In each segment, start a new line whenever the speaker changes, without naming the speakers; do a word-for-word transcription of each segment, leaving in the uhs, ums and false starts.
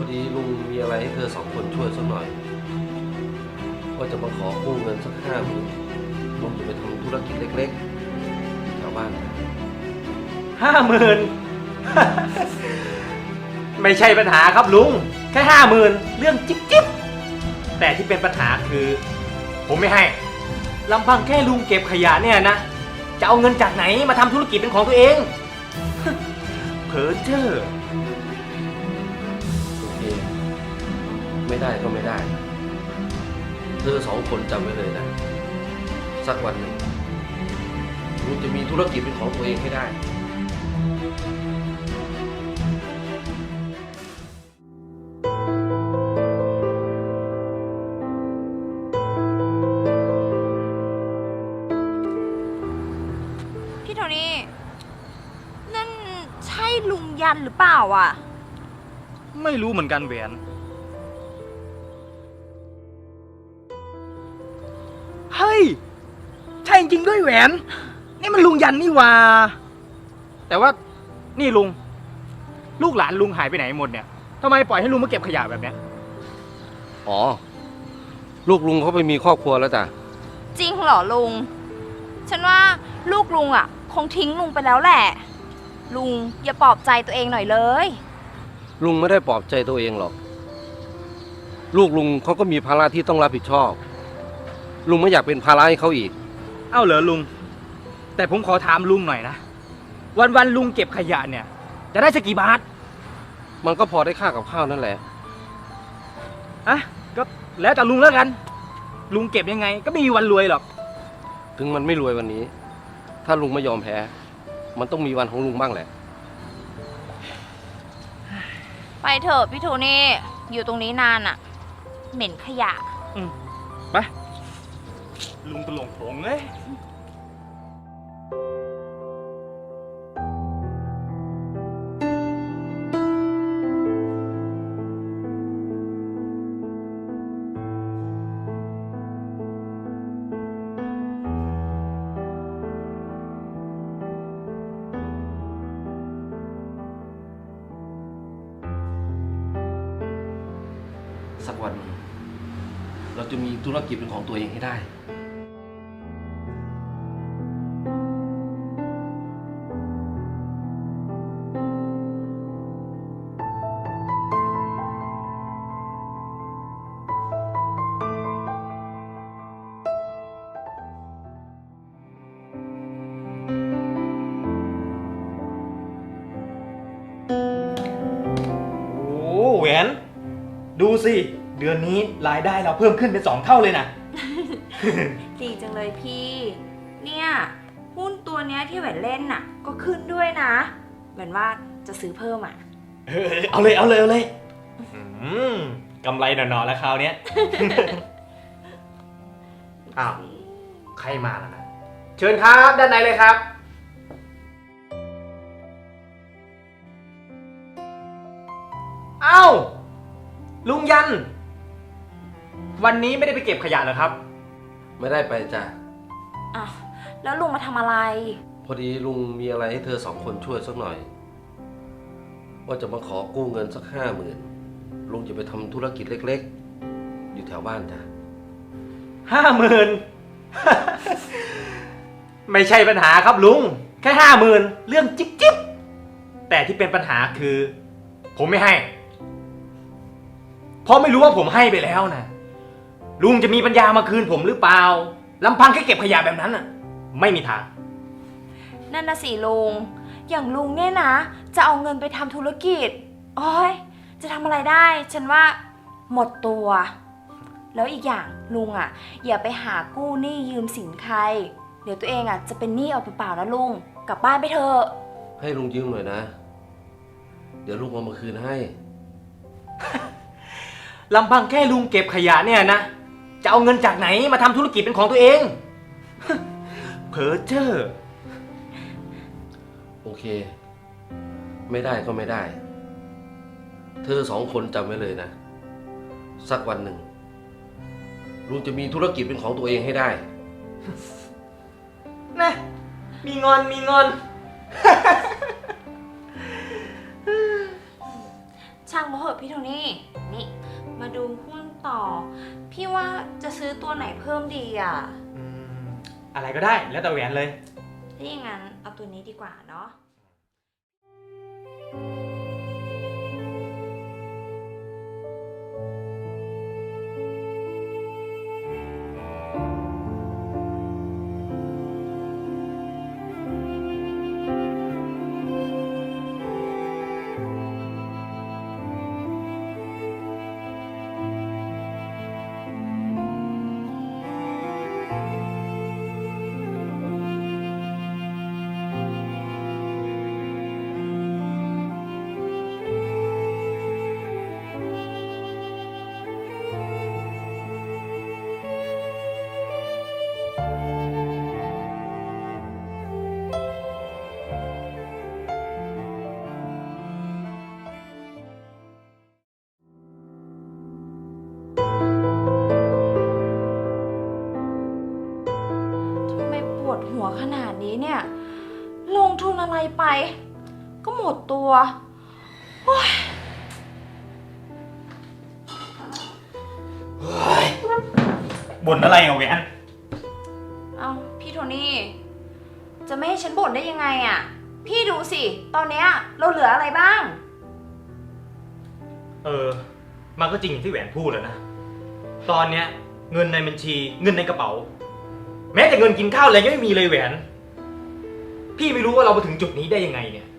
ดีลุงมีอะไรให้เธอสองคนช่วยสักหน่อยว่าจะมาขอกู้เงินสักห้าหมื่นลุงจะไปทำธุรกิจเล็กๆแถวบ้านนะ
ห้าหมื่น ไม่ใช่ปัญหาครับลุงแค่ห้าหมื่นเรื่องจิ๊บจิ๊บแต่ที่เป็นปัญหาคือ ผมไม่ให้ลำพังแค่ลุงเก็บขยะเนี่ยนะจะเอาเงินจากไหนมาทำธุรกิจเป็นของตัวเอง เพ้อเจ้อ
โอเคไม่ได้ก็ไม่ได้ เธอสองคนจำไว้เลยนะสักวันหนึ่งลุงจะมีธุรกิจเป็นของตัวเองให้ได้
พี่โทนี่นั่นใช่ลุงยันหรือเปล่าอ่ะ
ไม่รู้เหมือนกันแหวนเฮ้ยใช่จริงด้วยแหวนนี่มันลุงยันนี่หว่าแต่ว่านี่ลุงลูกหลานลุงหายไปไหนหมดเนี่ยทำไมปล่อยให้ลุงมาเก็บขยะแบบเนี้ย
อ๋อลูกลุงเขาไปมีครอบครัวแล้วจ้ะ
จริงเหรอลุง ฉันว่าลูกลุงอ่ะ คงทิ้งลุงไปแล้วแหละ ลุงอย่าปลอบใจตัวเองหน่อยเลย
ลุงไม่ได้ปลอบใจตัวเองหรอกลูกลุงเขาก็มีภาระที่ต้องรับผิดชอบลุงไม่อยากเป็นภาระให้เขาอีก
เอ้าเหรอลุงแต่ผมขอถามลุงหน่อยนะวันวันๆลุงเก็บขยะเนี่ยจะได้สักกี่บาท
มันก็พอได้ค่ากับข้าวนั่นแหละ
อะก็แล้วแต่ลุงแล้วกัน ลุงเก็บยังไงก็ไม่มีวันรวยหรอก
ถึงมันไม่รวยวันนี้ ถ้าลุงไม่ยอมแพ้ มันต้องมีวันของลุงบ้างแหละ
ไปเถอะพี่โทนี่อยู่ตรงนี้นานอ่ะ เหม็นขยะ
อืมไปลุงตะหลงผงเอ้ย
สักวันหนึ่งเราจะมีธุรกิจเป็นของตัวเองให้ได้
โอ้แหวนดูสิเดือนนี้รายได้เราเพิ่มขึ้นเป็นสองเท่าเลยนะ
ดีจังเลยพี่ เนี่ยหุ้นตัวเนี้ยที่แหวนเล่นน่ะ ก็ขึ้นด้วยนะ เหมือนว่าจะซื้อเพิ่มอ่ะ
เออเอาเลยเอาเลยเอาเลยอืมกำไรหนอๆแล้วคราวเนี้ย อ้าวใครมาล่ะนะเชิญครับด้านในเลยครับอ้าวลุงยัน วันนี้ไม่ได้ไปเก็บขยะเหรอครับ
ไม่ได้ไปจ้ะ
อ่ะ แล้วลุงมาทำอะไร
พอดีลุงมีอะไรให้เธอสองคนช่วยสักหน่อย ว่าจะมาขอกู้เงินสักห้าหมื่นลุงจะไปทำธุรกิจเล็กๆ อยู่แถวบ้านจ้ะ
ห้าหมื่น ไม่ใช่ปัญหาครับลุงแค่ห้าหมื่นเรื่องจิ๊บจิ๊บแต่ที่เป็นปัญหาคือ ผมไม่ให้เพราะไม่รู้ว่าผมให้ไปแล้วนะลุงจะมีปัญญามาคืนผมหรือเปล่าลำพังแค่เก็บขยะแบบนั้นน่ะ ไม่มีทาง
นั่นนะสิลุง อย่างลุงเนี่ยนะ จะเอาเงินไปทำธุรกิจโอ้ยจะทำอะไรได้ ฉันว่าหมดตัว แล้วอีกอย่างลุงอ่ะ อย่าไปหากู้หนี้ยืมสินใคร เดี๋ยวตัวเองอ่ะจะเป็นหนี้เอาเปล่าๆนะลุง กลับบ้านไปเถอะ
ให้ลุงยืมหน่อยนะ เดี๋ยวลุงเอามาคืนให้
ลำพังแค่ลุงเก็บขยะเนี่ยนะจะเอาเงินจากไหนมาทำธุรกิจเป็นของตัวเอง เพ้อเจ้อ
โอเค ไม่ได้ก็ไม่ได้ เธอสองคนจำไว้เลยนะ สักวันหนึ่งลุงจะมีธุรกิจเป็นของตัวเองให้ได้
นะมีงอนมีงอน
ใช่ช่างมาเหอะพี่โทนี่นี่มาดูหุ้นต่อ พี่ว่าจะซื้อตัวไหนเพิ่มดีอ่ะ
อืมอะไรก็ได้แล้วแต่แหวนเลย
ถ้าอย่างนั้นเอาตัวนี้ดีกว่าเนาะ ทำไมปวดหัวขนาดนี้เนี่ย ลงทุนอะไรไป ก็หมดตัวโอ๊ย
บ่นอะไรอ่ะแหวน
เอาพี่โทนี่ จะไม่ให้ฉันบ่นได้ยังไงอะ่ะ พี่ดูสิ ตอนเนี้ยเราเหลืออะไรบ้าง
เออ มันก็จริงอย่างที่แหวนพูดแล้วนะ ตอนเนี้ยเงินในบัญชีเงินในกระเป๋า แม้แต่เงินกินข้าวอะไรยังไม่มีเลยแหวน พี่ไม่รู้ว่าเรามาถึงจุดนี้ได้ยังไงเนี่ย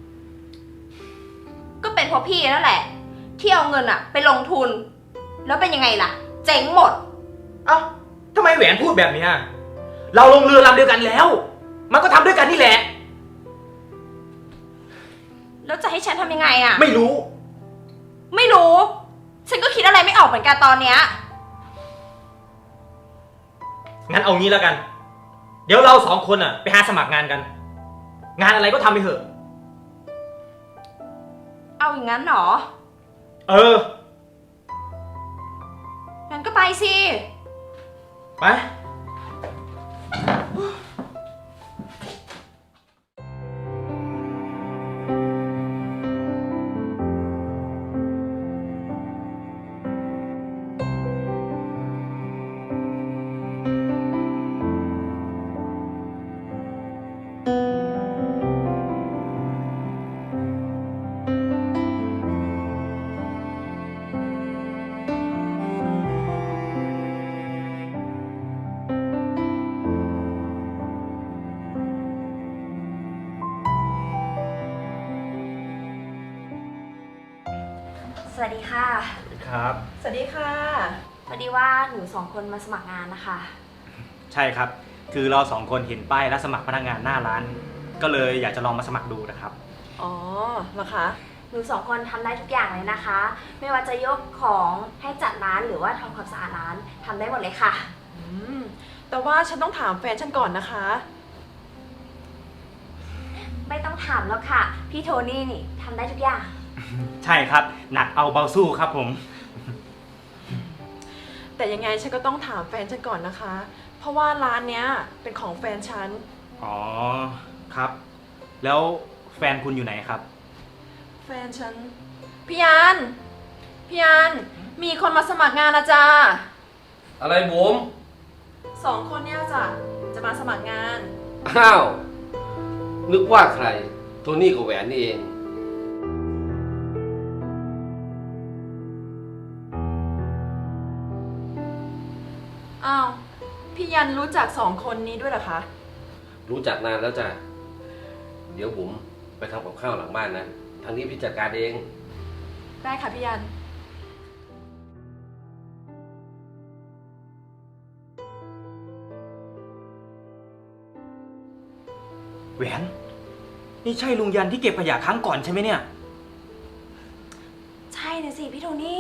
ก็เป็นเพราะพี่นั่นแหละ ที่เอาเงินอะไปลงทุน แล้วเป็นยังไงล่ะ เจ๊งหมด
เอ้าทำไมแหวนพูดแบบเนี้ยเราลงเรือลำเดียวกันแล้ว มันก็ทำด้วยกันนี่แหละ
แล้วจะให้ฉันทำยังไงอะ
ไม่รู้
ไม่รู้ ฉันก็คิดอะไรไม่ออกเหมือนกันตอนเนี้ย
งั้นเอางี้แล้วกัน เดี๋ยวเราสองคนอ่ะไปหาสมัครงานกัน งานอะไรก็ทำไปเถอะ
เอาอย่างนั้นเหรอ
เออ
งั้นก็ไปสิ
ไป
สวัสดีค่ะ
ครับ
สวัสดีค่ะ
พอดีว่าหนูสองคนมาสมัครงานนะคะ
ใช่ครับ คือเราสองคนเห็นป้ายรับสมัครพนักงานหน้าร้าน ก็เลยอยากจะลองมาสมัครดูนะครับ
อ๋อเหรอคะ
หนูสองคนทำได้ทุกอย่างเลยนะคะ ไม่ว่าจะยกของให้จัดร้านหรือว่าทำความสะอาดร้านทำได้หมดเลยค่ะ
อืม แต่ว่าฉันต้องถามแฟนฉันก่อนนะคะ
ไม่ต้องถามแล้วค่ะ พี่โทนี่นี่ทำได้ทุกอย่าง
ใช่ครับ หนักเอาเบาสู้ครับผม
แต่ยังไงฉันก็ต้องถามแฟนฉันก่อนนะคะ เพราะว่าร้านเนี้ยเป็นของแฟนฉัน
อ๋อ ครับ แล้วแฟนคุณอยู่ไหนครับ
แฟนฉัน พี่ยัน พี่ยัน มีคนมาสมัครงานนะจ๊ะ
อะไรบุ๋ม
สองคนเนี่ยจ้ะ จะมาสมัครงาน
อ้าว นึกว่าใคร โทนี่กับแหวนนี่เอง
อ้าว พี่ยันรู้จักสองคนนี้ด้วยเหรอคะ
รู้จักนานแล้วจ้ะ เดี๋ยวบุ๋มไปทำกับข้าวหลังบ้านนะ ทางนี้พี่จัดการเอง
ได้ค่ะพี่ยัน
แหวน นี่ใช่ลุงยันที่เก็บขยะครั้งก่อนใช่ไหมเนี่ย
ใช่นะสิพี่โทนี่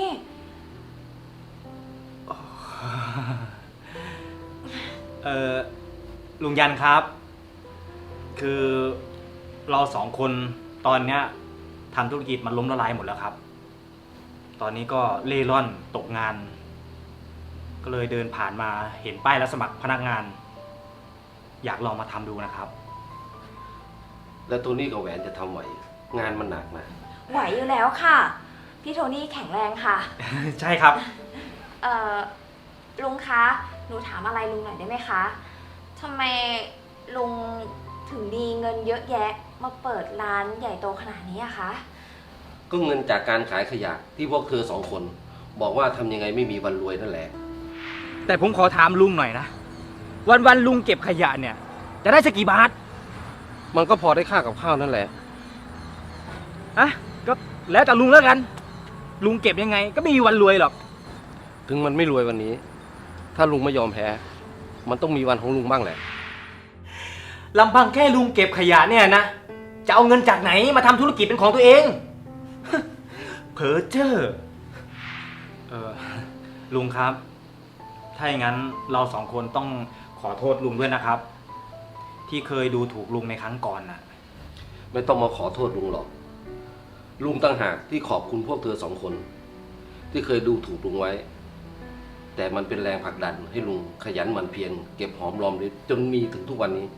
เออลุงยันครับ คือเราสองคนตอนเนี้ยทำธุรกิจมันล้มละลายหมดแล้วครับ ตอนนี้ก็เล่ร่อนตกงาน ก็เลยเดินผ่านมาเห็นป้ายรับสมัครพนักงาน อยากลองมาทำดูนะครับ
แล้วโทนี่กับแหวนจะทำไหว งานมันหนักนะ
ไหวอยู่แล้วค่ะพี่โทนี่แข็งแรงค่ะ
ใช่ครับ
เอ่อ ลุงคะ หนูถามอะไรลุงหน่อยได้ไหมคะทำไมลุงถึงมีเงินเยอะแยะมาเปิดร้านใหญ่โตขนาดนี้อะคะ
ก็เงินจากการขายขยะที่พวกเธอสองคน บอกว่าทำยังไงไม่มีวันรวยนั่นแหละ
แต่ผมขอถามลุงหน่อยนะ วันวันๆลุงเก็บขยะเนี่ย จะได้สักกี่บาท
มันก็พอได้ค่ากับข้าวนั่นแหละ
อะก็แล้วแต่ลุงแล้วกัน ลุงเก็บยังไง ก็ไม่มีวันรวยหรอก
ถึงมันไม่รวยวันนี้ ถ้าลุงไม่ยอมแพ้ มันต้องมีวันของลุงบ้างแหละ
ลำพังแค่ลุงเก็บขยะเนี่ยนะ จะเอาเงินจากไหนมาทำธุรกิจเป็นของตัวเอง เพ้อเจ้อเออลุงครับ ถ้าอย่างนั้นเราสองคนต้องขอโทษลุงด้วยนะครับ ที่เคยดูถูกลุงในครั้งก่อนน่ะ
ไม่ต้องมาขอโทษลุงหรอก ลุงตั้งหากที่ขอบคุณพวกเธอสองคน ที่เคยดูถูกลุงไว้ แต่มันเป็นแรงผลักดันให้ลุงขยันหมั่นเพียรเก็บหอมรอมริบจนมีถึงทุกวันนี้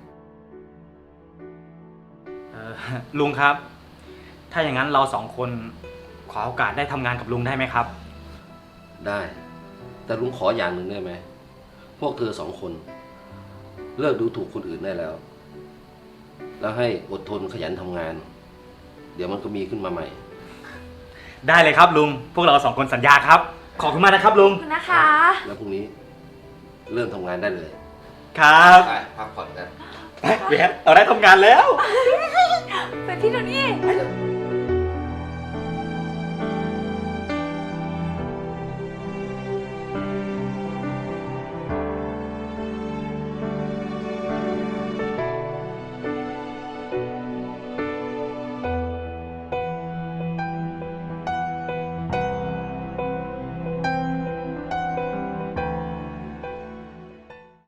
เออลุงครับ ถ้าอย่างนั้นเราสองคนขอโอกาสได้ทำงานกับลุงได้ไหมครับ
ได้ แต่ลุงขออย่างหนึ่งได้ไหม พวกเธอสองคน เลิกดูถูกคนอื่นได้แล้ว แล้วให้อดทนขยันทำงาน เดี๋ยวมันก็มีขึ้นมาใหม่
ได้เลยครับลุง พวกเราสองคนสัญญาครับ ขอบคุณมากนะครับลุง
ขอบคุณนะคะ
แล้วพรุ่งนี้เริ่มทำงานได้เลย
ครับ
ไปพักผ่อนกัน
เบียร์เราได้ทำงานแล้ว
เป็นพี่โทนี่